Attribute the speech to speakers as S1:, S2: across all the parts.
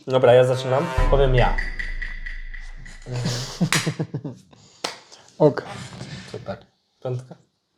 S1: Dobra, ja zaczynam. Powiem ja.
S2: Ok.
S3: Super.
S1: Piątka.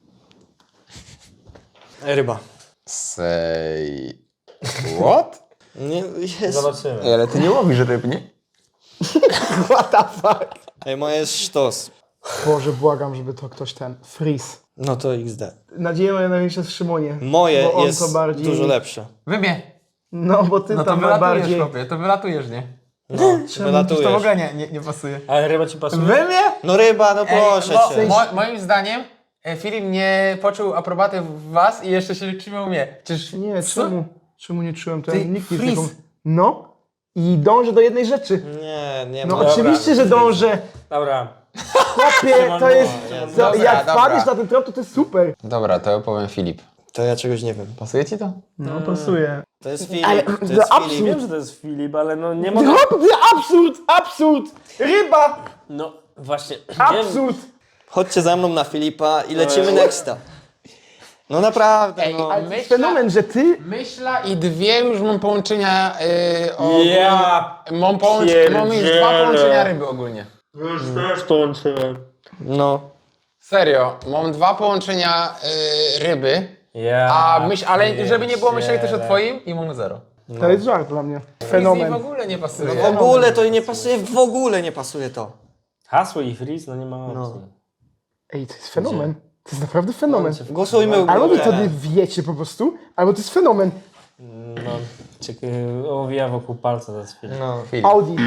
S4: Ryba.
S3: Say... What?
S4: Nie, jest.
S1: Zobaczymy.
S3: Ej, ale ty nie łowisz ryb, nie?
S2: What the fuck?
S4: Ej, moje jest sztos.
S2: Boże, błagam, żeby to ktoś ten... Freeze.
S4: No to XD.
S2: Nadzieję moja największa jest w Szymonie.
S4: Moje
S2: bo on
S4: jest
S2: to bardziej...
S4: dużo lepsze.
S3: Wybie.
S2: No, bo ty
S3: No to
S2: tam
S3: wylatujesz,
S2: bardziej...
S3: chłopie, to wylatujesz, nie?
S4: No,
S3: To w
S4: wylatujesz.
S3: ogóle nie pasuje.
S1: Ale ryba ci pasuje?
S3: Wybie?
S4: No ryba, no proszę cię.
S3: Moim zdaniem Filip nie poczuł aprobaty w was i jeszcze się trzymał mnie. Przecież
S2: Nie,
S3: co?
S2: czemu? Czemu nie czułem? To
S3: Ty,
S2: ja nikt nie
S3: freeze.
S2: taką... No. I dążę do jednej rzeczy.
S4: Nie
S2: No
S4: ma.
S2: oczywiście, że dążę.
S1: Dobra.
S2: Chłopie, to jest...
S3: Dobra,
S2: jak
S3: dobra.
S2: wpadniesz na ten trop, to jest super.
S3: Dobra, to ja powiem Filip.
S4: To ja czegoś nie wiem.
S3: Pasuje ci to?
S2: No, pasuje.
S4: To jest Filip.
S2: Ale
S4: To
S2: to
S4: jest
S2: absurd.
S4: Filip.
S1: Wiem, że to jest Filip, ale no nie mogę...
S2: No, absurd, absurd! Ryba,
S1: No właśnie.
S2: absurd!
S4: Chodźcie za mną na Filipa i lecimy nexta. No naprawdę,
S5: Ej,
S4: no.
S5: a
S2: To jest fenomen, że ty...
S5: Myśla i dwie już mam połączenia
S1: Ja
S5: mam już dwa
S1: pierdzielę.
S5: połączenia ryby ogólnie.
S1: Już też połączyłem.
S4: No.
S5: Serio, mam dwa połączenia ryby,
S1: Ja
S5: ale żeby nie było myśleli też o
S1: pierdzielę.
S5: twoim i mam zero.
S2: To jest żart dla mnie.
S5: Freeze
S2: Fenomen.
S5: w ogóle nie pasuje.
S4: W ogóle to nie pasuje, w ogóle nie pasuje to.
S1: Hasło i freeze, no nie ma opcji.
S2: Ej, to jest fenomen. To jest naprawdę fenomen.
S4: Głosujmy u
S2: Albo wy to
S4: góry.
S2: nie wiecie po prostu, albo to jest fenomen.
S1: No, owija wokół palca za chwilę.
S3: No, Filip.
S2: Audi.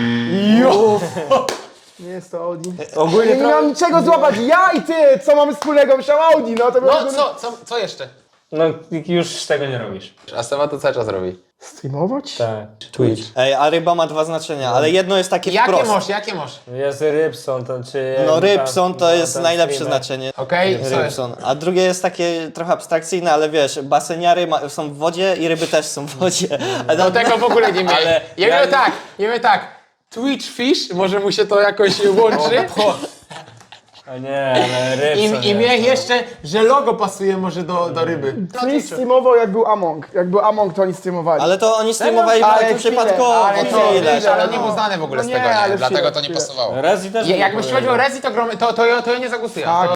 S2: Nie jest to Audi.
S1: Ogólnie
S2: Nie miałem niczego złapać. Ja i ty! Co mamy wspólnego? Myślałem Audi, no to
S5: No
S2: było...
S5: co jeszcze?
S1: No już tego nie robisz.
S3: A Seba to cały czas robi.
S2: Streamować?
S1: Tak.
S4: Twitch. Ej, a ryba ma dwa znaczenia, ale jedno jest takie wprost.
S5: Jakie masz?
S1: Jest Rybson, to czy...
S4: No Rybson to jest
S1: ten
S4: najlepsze
S1: streamer.
S4: znaczenie.
S5: Okej, co jest?
S4: Rybson. A drugie jest takie trochę abstrakcyjne, ale wiesz, baseniary są w wodzie i ryby też są w wodzie. A
S5: Do tego w ogóle nie miałem.
S1: Ale
S5: Jemy tak. Twitch Fish, może mu się to jakoś łączy.
S1: A nie, ale Rybson
S5: I mnie jeszcze, że logo pasuje może do ryby.
S2: Twitch streamował jak był Among. Jak był Among, to oni streamowali.
S4: Ale to oni streamowali
S2: Ale
S4: bardzo
S2: chwilę,
S4: przypadkowo.
S2: ale
S4: to
S2: to-
S4: ile?
S2: chwilę,
S5: Ale on
S2: no.
S5: nie był znany w ogóle
S2: No
S5: z
S2: nie,
S5: tego,
S2: ale
S5: nie? Dlatego
S2: chwilę,
S5: to nie
S2: chwilę.
S5: pasowało.
S1: Rezi też
S5: Jakbyś chodził o Rezi, to ja nie zagłosuję.
S2: Tak.